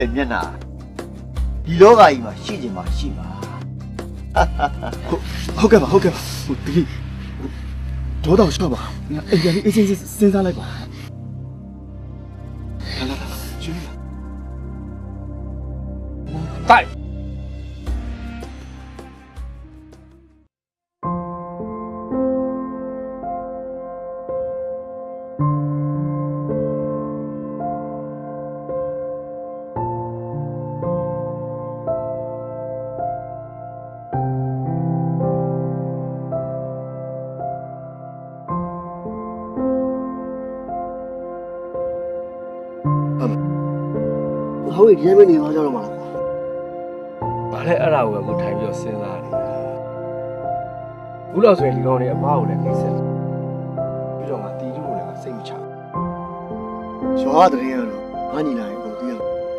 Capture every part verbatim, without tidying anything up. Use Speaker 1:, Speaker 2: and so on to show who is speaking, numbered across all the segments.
Speaker 1: မျက်နှာဒီလောကကြီးမှာရှိချင်မှရှိပါ
Speaker 2: ဟုတ်ကဲ့ပါဟုတ်ကဲ့ပါဟိုဒီဒေါတော့ရှော့ပါအိမ်ပြန်ပြီးအချင်းချင်းစဉ်းစားလိုက်ပါလာလာလာကျွေးလာ
Speaker 3: တိုက်
Speaker 2: ဟုတ်ပြီဒီနေ့မနေသွားကြတော့မှာလား
Speaker 3: ဘာလဲအဲ့ဒါကိုပဲကိုထိုင်ပြီးတော့စဉ်းစားနေတာဘူးလို့ဆိုရင်ဒီကောင်တွေအမားကိုလည်းနှိမ့်ဆက်ပြီးတော့ငါတီးတူကိုလည်းငါစိတ်မချဘူး
Speaker 2: ရွာတဲ့ရတော့ငါညီလာရင်ကိုတည်ရ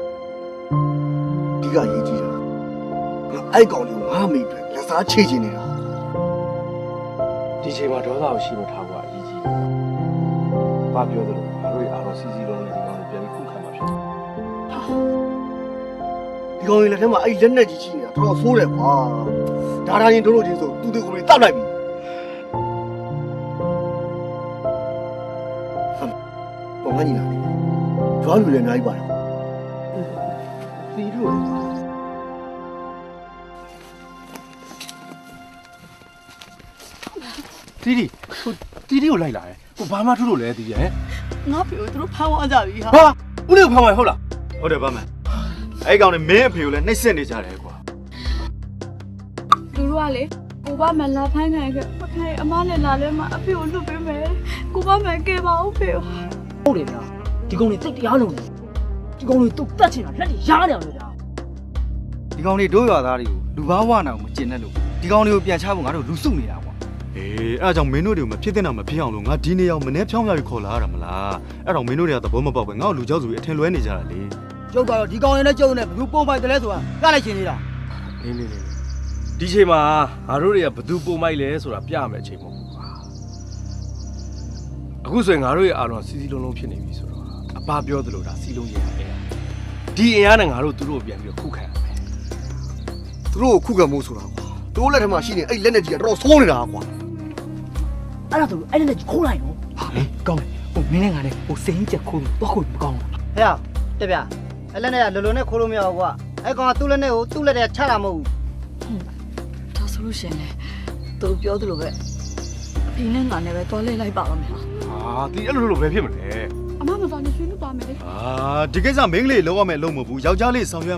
Speaker 2: ဒီကရေးကြည့်တာအဲ့ကောင်လေးကိုငါမိအတွက်လက်စားချေချင်နေတာ
Speaker 3: ဒီချိန်မှာဒေါသကိုရှိမထားဘူးအရေးကြီးတယ်။ဘာပြောသလဲငါတို့အားလုံးစီစီလုံးနဲ့ဒီကောင်ကိုပြန်ပြီးခုခံမှာဖြစ်တယ်
Speaker 2: ဒီကောင်လေးလက်ထဲမှာအဲ့လက်နဲ့ကြီးကြီးနေတာတော်တော်ဆိုးတယ်ကွာဒါဒါရင်တို့တို့ချင်းဆိုသူတို့ကိုယ်တောက်လိုက်ပြီဟမ်ဘာမှညီလာရွာလူလည်းအများကြီးပါတယ်
Speaker 3: တီးတူတီးတီဟိုတီးတီကိုလိုက်လာတယ်ဟိုဘာမှထုလို့လဲတီးရဲ့
Speaker 4: ငါဖေကိုသူတို့ဖမ်းသွားကြပြီဟာ
Speaker 3: ဟာဦးလေးကိုဖမ်းသွားဟုတ်လား
Speaker 1: ဟုတ်တယ်ဗမန်အဲ့ကောင်နဲ့မင်းအဖေကိုလည်းနှိပ်စက်နေကြတယ်ကွာ
Speaker 4: သူတို့ကလေကိုဘမန်လာဖိုင်းနိုင်ခဲ့မခိုင်အမနဲ့လာလဲမှာအဖေကိုလွတ်ပေးမယ်ကိုဘမန်ကဲပါဦးဖေကို
Speaker 5: ဟုတ်တယ်ဗျာဒီကောင်တွေတိတ်တရားလုံးတယ်ဒီကောင်တွေတုတ်တက်ချင်တာလက်တွေရားတယ်လို့ဗျာ
Speaker 6: ဒီကောင်တွေတို့ရွာသားတွေကိုလူဘာဝနာကိုမကျင်နဲ့လို့ဒီကောင်တွေကိုပြန်ချဖို့ငါတို့လူစုနေတာကွာ
Speaker 7: အေးအဲ့ဒါကြောင့်မင်းတို့တွေကိုမဖြစ်တဲ့နာမဖြစ်အောင်လို့ငါဒီနေရာကိုမနေ့ဖြောင်းပြပြီးခေါ်လာရတာမလားအဲ့တော့မင်းတို့တွေကသဘောမပေါက်ပဲငါ့ကိုလူကြောက်စုပြီးအထင်လွဲနေကြတာလေ
Speaker 5: ကျုပ်ကတော့ဒီကောင်တွေနဲ့ကျုပ်နဲ့ဘယ်သူပုံပိုက်တယ်လဲဆိုတာပြလိုက်ချင်နေတာ
Speaker 3: နေနေနေဒီချိန်မှာငါတို့တွေကဘသူပုံမိုက်လဲဆိုတာပြမယ်အချိန်မဟုတ်ဘူးကွာအခုဆိုရင်ငါတို့ရဲ့အားလုံးစီစီလုံးလုံးဖြစ်နေပြီဆိုတော့အပပြောသလိုဒါစီလုံးရရတယ်ဒီအင်အားနဲ့ငါတို့သူတို့ကိုပြန်ပြီးတော့ခုခံရမယ်
Speaker 2: သူတို့ကိုခုခံမှုဆိုတာကွာတို့လက်ထဲမှာရှိနေအဲ့လက်နဲ့ကြီးကတော်တော်ဆိုးနေတာကွာ
Speaker 5: အဲ့ဒါဆိုအဲ့ဒါနဲ့ခိုးလိုက်ရောဟာလေကောင်းတယ်ဟိုမင်းနဲ့ငါနဲ့ဟိုစိန်ချက်ခိုးတော့ခိုးမကောင်းဘူး
Speaker 8: ဟဲ့တက်ပြအဲ့လက်နဲ့ကလုံလုံနဲ့ခိုးလို့မရဘူးကွာအဲ့ကောင်ကသူ့လက်နဲ့ကိုသူ့လက်နဲ့ချတာမဟုတ်ဘူး
Speaker 4: ဒါဆိုလို့ရှင်လေသူတို့ပြောသလိုပဲအဖေနဲ့ငါနဲ့ပဲတွားလဲလိုက်ပါတော့မယ်ဟာ
Speaker 3: ဟာဒီအဲ့လိုလိုပဲဖြစ်မလဲ
Speaker 4: အမမတော်နေဆွေးနွေးပါမယ်လေ
Speaker 7: အာဒီကိစ္စမင်းကလေးလောက်ရမယ်လို့မဟုတ်ဘူးယောက်ျားလေးဆောင်ရွက်